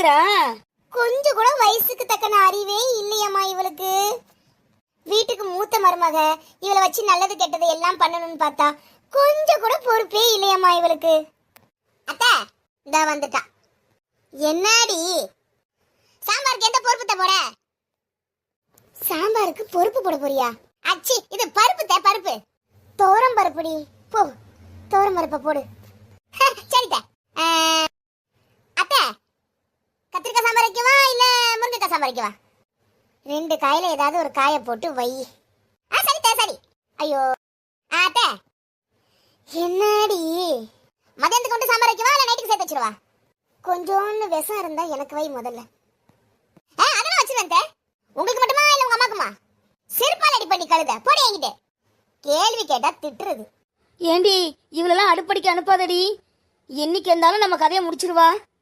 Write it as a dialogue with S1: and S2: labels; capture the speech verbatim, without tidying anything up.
S1: பேரா?
S2: கொஞ்சம் கூட வயசுக்கு தக்கன அறிவே இல்லையம்மா இவளுக்கு. வீட்டுக்கு மூத்த மருமக, இவளை வச்சு நல்லது கெட்டது எல்லாம் பண்ணணும்னு பார்த்தா கொஞ்சம் கூட பொறுப்பே இல்லையம்மா இவளுக்கு. அத்தை இதா வந்துட்டா. என்னடி சாம்பாருக்கு எந்த பொறுப்பு போட? சாம்பாருக்கு பொறுப்பு போட போறியா? அச்சி இது பருப்பு தே பருப்பு. தோரம் பருப்புடி. போ தோரம் பருப்பை போடு. சரிதா. அத்தை கத்திரிக்காய் சாம்பார் வைக்கவா இல்ல முருங்கைக்காய் சாம்பார் வைக்கவா? ரெண்டு காயில ஏதாவது ஒரு காயை போட்டு வை. ஆ சரிதா சரி. ஐயோ அத்தை என்னடி மதியானத்துக்கு கொண்டு சாம்பார் வைக்கவா இல்ல நைட்டுக்கு சேர்த்து வச்சிருவா? கொஞ்சோன்னு விஷம் இருந்தா எனக்கு வை முதல்ல. ஆ அதெல்லாம் வச்சிருவேன். உங்களுக்கு மட்டுமா இல்ல உங்க அம்மாக்குமா? செருப்பால் அடி பண்ணி கழுத போடி என்கிட்ட. கேள்வி கேட்டா திட்டுறது.
S1: ஏண்டி இவளெல்லாம் அடுப்படிக்கு அனுப்பாதடி. என்னைக்கு இருந்தாலும் நம்ம கதையை முடிச்சிருவா.